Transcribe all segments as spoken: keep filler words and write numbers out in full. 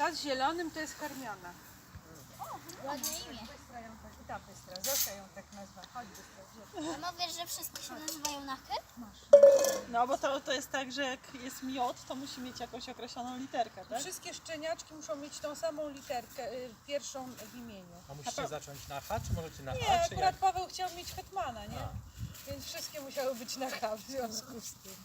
Ta z zielonym to jest Hermiona. Ładne imię. Bystra ją tak, i ta Bystra, Zosia ją tak nazwa. Chodź Bystra, gdzie? A mówisz, że wszystkie się nazywają na K? No bo to, to jest tak, że jak jest miod, to musi mieć jakąś określoną literkę, tak? Wszystkie szczeniaczki muszą mieć tą samą literkę, y, pierwszą w imieniu. A musicie zacząć na H, czy możecie na Nie, A, czy akurat jak? Paweł chciał mieć hetmana, nie? A. Więc wszystkie musiały być na H w związku z tym.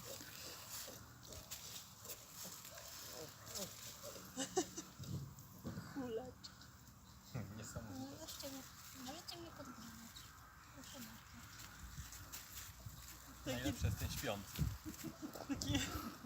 Kuleczka. Hmm, niesamowite. Możecie, możecie mnie podgrywać. Proszę bardzo. Najlepsze jest ten śpiący. Taki...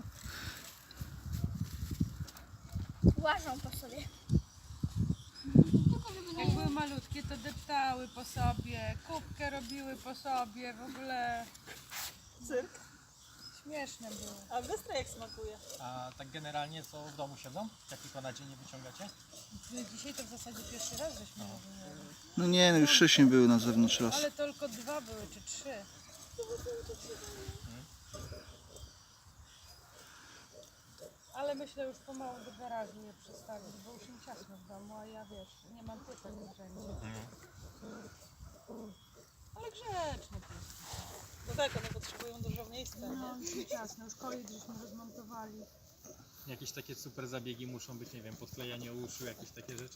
Łażą po sobie. Tylko żeby Jak nie... były malutkie, to deptały po sobie, kubkę robiły po sobie, w ogóle Cyrk. śmieszne były. A Bystra jak smakuje? A tak generalnie co w domu siedzą? Jak tylko na dzień nie wyciągacie? My dzisiaj to w zasadzie pierwszy raz żeśmy robiły. No nie, no już wcześniej były na zewnątrz raz. Ale tylko dwa były, czy trzy. Ale myślę już pomału do garażu je przestawić, bo już im ciasno w domu, a ja wiesz, nie mam pytań wszędzie. Ale grzeczne pies. No tak, one potrzebują dużo miejsca, No, nie? już ciasno, już kolik żeśmy rozmontowali. Jakieś takie super zabiegi muszą być, nie wiem, podklejanie uszu, jakieś takie rzeczy?